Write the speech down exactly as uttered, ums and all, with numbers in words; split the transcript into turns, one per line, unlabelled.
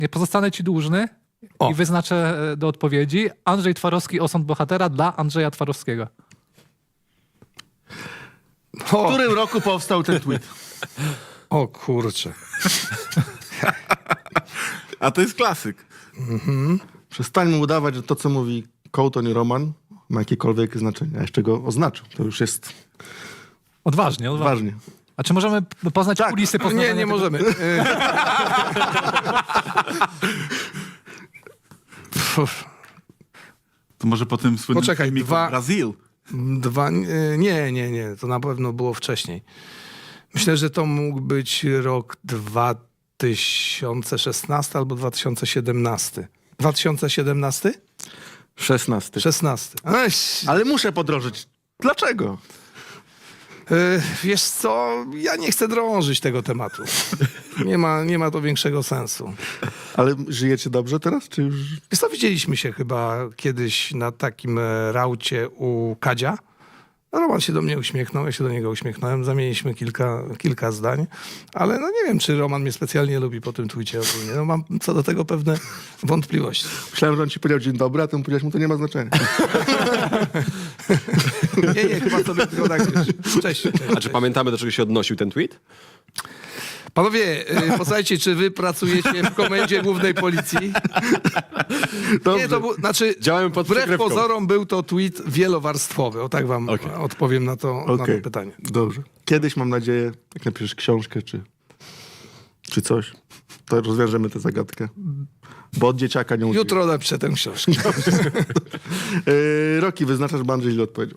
Nie pozostanę ci dłużny
O.
i wyznaczę e, do odpowiedzi. Andrzej Twarowski, osąd bohatera dla Andrzeja Twarowskiego.
O,
W którym roku powstał ten tweet?
o kurczę.
A to jest klasyk. Przestańmy udawać, że to, co mówi Kołtoń i Roman, ma jakiekolwiek znaczenie. A jeszcze go oznaczył. To już jest
Odważnie, odważnie.
ważnie.
A czy możemy p- poznać
Tak.
kulisy poznawania
Nie, nie
tego?
możemy. E, Pff,
To może po tym słynnym
Poczekaj,
filmiku
dwa-
Brazil.
Dwa, e, nie, nie, nie. To na pewno było wcześniej. Myślę, że to mógł być rok dwa tysiące szesnasty albo dwa tysiące siedemnasty. dwa tysiące siedemnasty?
szesnasty.
szesnasty. Eś,
Ale muszę podrożyć. Dlaczego?
e, wiesz co, ja nie chcę drążyć tego tematu. Nie ma, nie ma to większego sensu.
Ale żyjecie dobrze teraz, czy już...
Wiesz co, widzieliśmy się chyba kiedyś na takim e, raucie u Kadzia. Roman się do mnie uśmiechnął, ja się do niego uśmiechnąłem, zamieniliśmy kilka, kilka zdań, ale no nie wiem, czy Roman mnie specjalnie lubi po tym tweetie ogólnie. No mam co do tego pewne wątpliwości.
Myślałem, że on ci powiedział dzień dobry, a ty mu powiedziałeś mu, to nie ma znaczenia.
Nie, nie, chyba sobie tylko tak, wiesz, cześć, cześć,
A czy pamiętamy, do czego się odnosił ten tweet?
Panowie, y, posłuchajcie, czy wy pracujecie w Komendzie Głównej Policji?
Dobrze.
Nie, to był, znaczy,
Działamy pod
wbrew
przykrywką.
pozorom był to tweet wielowarstwowy. O tak wam
Okej.
odpowiem na to, na
Okej,
to pytanie.
dobrze. Kiedyś, mam nadzieję, jak napiszesz książkę, czy, czy coś, to rozwiążemy tę zagadkę. Bo od dzieciaka nie uczyłem.
Jutro napiszę tę książkę.
Yy, Roki, wyznaczasz, bo Andrzej źle odpowiedział.